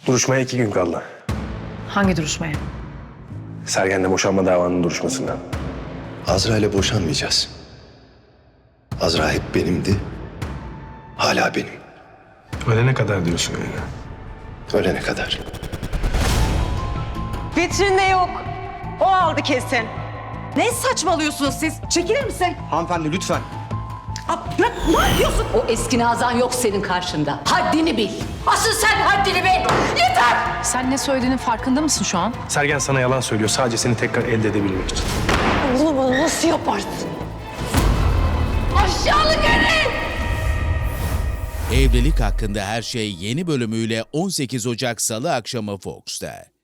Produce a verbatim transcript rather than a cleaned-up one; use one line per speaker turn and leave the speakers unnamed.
Duruşmaya iki gün kaldı.
Hangi duruşmaya?
Sergen'le boşanma davanın duruşmasından.
Azra ile boşanmayacağız. Azra hep benimdi. Hala benim.
Ölene kadar diyorsun öyle.
Ölene kadar.
Vitrinde yok. O aldı kesin.
Ne saçmalıyorsunuz siz? Çekilir misin?
Hanımefendi lütfen.
Aa, bırak, ne yapıyorsun?
O eski Nazan yok senin karşında. Haddini bil. Asıl sen haddini bil. Yeter!
Sen ne söylediğinin farkında mısın şu an?
Sergen sana yalan söylüyor sadece seni tekrar elde edebilmek için.
Bunu bana nasıl yaparsın?
Aşağılık herif!
Evlilik Hakkında Her Şey yeni bölümüyle on sekiz Ocak Salı akşamı Fox'ta.